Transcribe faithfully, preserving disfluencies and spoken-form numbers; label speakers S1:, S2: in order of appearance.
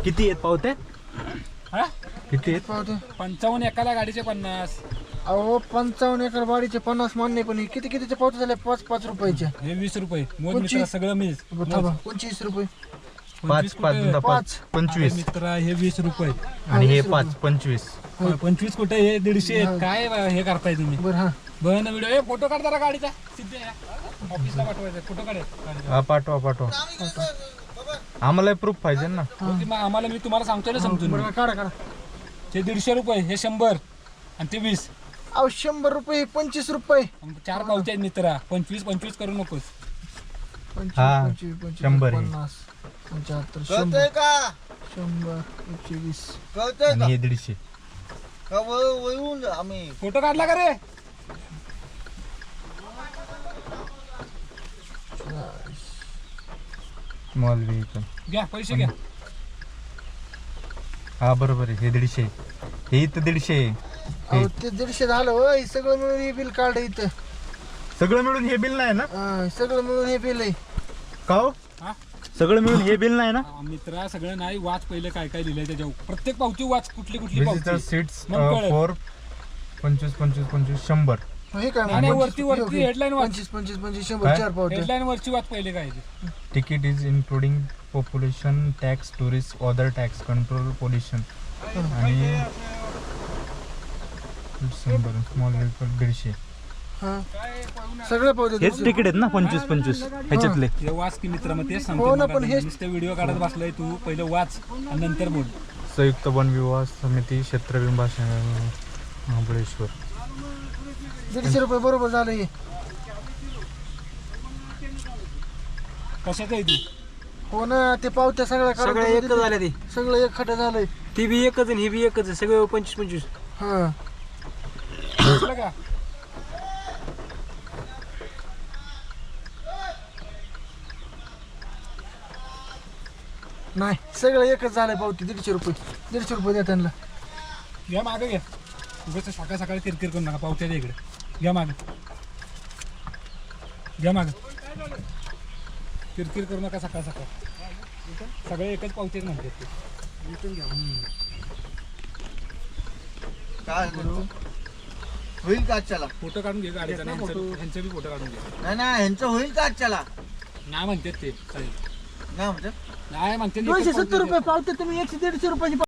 S1: किती आहेत पावते?
S2: हा
S1: किती आहेत?
S3: पावते
S2: पंचावन्न एकाला गाडीचे पन्नास.
S3: अहो पंचावन्न एकर बाडीचे पन्नास मान्य, पण हे किती कितीचे पावते झाले? पाच पाच रुपयाचे.
S2: हे वीस रुपये मोज
S3: कोणची?
S2: मित्रा, सगळं मीच
S3: थांबा, पंचवीस रुपये.
S1: पाच पाच
S2: कुठे?
S1: पाच
S3: पाच.
S1: पंचवीस
S2: मित्रा हे वीस रुपये.
S1: आणि हे पाच पंचवीस.
S2: पंचवीस कुठे? हे दीडशे आहेत. काय हे करताय तुम्ही?
S3: बरं हा
S2: बन व्हिडिओ हे फोटो काढ जरा गाडीचा. सिद्धे ऑफिसला पाठवायचा फोटो काढ गाडीचा.
S1: हा पाठवा पाठवा, आम्हाला प्रूफ पाहिजे ना.
S2: हो की मग आम्हाला मी तुम्हाला सांगतोय ना समजून.
S3: बरं काढा काढा.
S2: ते दीडशे रुपये, हे शंभर आणि ते वीस.
S3: अहो शंभर रुपये पंचवीस रुपये.
S2: चार पावते आहेत मित्रा. पंचवीस पंचवीस करू नकोस.
S3: पंचवीस
S1: हा,
S3: पंचवीस पंचवीस
S1: शंभर हे.
S3: पन्नास पंच्याहत्तर
S4: कळतंय
S3: शंभर
S4: का?
S3: शंभर एकशे वीस.
S4: कळतंय
S1: आणि
S4: का?
S1: हे दीडशे.
S4: का वळ- वळवून जा आम्ही.
S2: फोटो काढला का रे?
S1: Small vehicle.
S2: घ्या पैसे घ्या.
S1: हा बरोबर आहे, हे दीडशे. हे इथं दीडशे आहे.
S3: अहो ते दीडशे झालं होय. सगळं मिळून हे बिल काढ इथं.
S1: सगळं मिळून हे बिल नाही ना?
S3: हा, सगळं मिळून हे बिल आहे.
S1: का हो?
S2: हा?
S1: सगळं मिळून हे बिल नाही ना?
S2: आ, मित्रा सगळं नाही. वाच पहिले काय काय लिहिलंय त्याच्यावर. प्रत्येक पावती वाच, कुठली कुठली
S1: विजिटर
S2: पावती.
S1: सीट्स
S2: मग कळेल.
S1: फोर पंचवीस पंचवीस पंचवीस शंभर.
S3: हे काय
S2: नाही, नाही, वरती वरती हेडलाईन वाच.
S3: पंचवीस पंचवीस पंचवीस शंभर
S1: काय?
S3: चार पावते.
S2: हेडलाईन वरची वाच पहिले काय आहे ते.
S1: Ticket is including population tax tourist other tax control pollution आणि शंभर स्मॉल व्हेकल दीडशे.
S3: हा सगळे पावते.
S1: हेच तिकीट आहेत ना पंचवीस पंचवीस ह्याच्यातले?
S2: हे वाच की मित्रा, मग तेच
S3: हो
S2: सांगतो.
S3: ना,
S2: मग
S3: पण
S2: आता
S3: हे-
S2: नुसतं व्हिडिओ काढत बसलाय तू. पहिले वाच आणि नंतर बोल.
S1: संयुक्त वन विवाह समिती क्षेत्रविंबा महाबळेश्वर.
S3: दीडशे रुपये बरोबर झालं हे.
S2: कशाचं आहे ती?
S3: हो ना, ते पावत्या सगळ्या
S5: सगळं
S3: काढून
S5: एकच झालं ते.
S3: सगळं एक खट झालंय.
S5: ती बी एकच आणि ही बी एकच आहे. सगळं पंचवीस पंचवीस.
S3: हा
S2: वाचलं का?
S3: नाही सगळं एकच झालंय पावती. दीडशे रुपये दीडशे रुपये द्या त्यांना.
S2: घ्या मागं घ्या. उगाच सकाळ सकाळी किरकिर करू नका. पावत्या द्या इकडे. घ्या मागं. घ्या मागं. किरकिर करू नका सकाळ सकाळ. सगळे एकच पावतेच म्हणतात ते.
S4: काय करू? होईल का आजच्याला?
S2: फोटो काढून घे गाडीचा. नाही ह्यांचं ह्यांचं बी फोटो काढून घे.
S4: नाही ना, ह्यांचं होईल का आजच्याला?
S2: नाही म्हणतात ते.
S4: नाही म्हणतात.
S2: नाही म्हणते
S3: दोनशे सत्तर रुपये पावते तुम्ही. एकशे दीडशे रुपयाची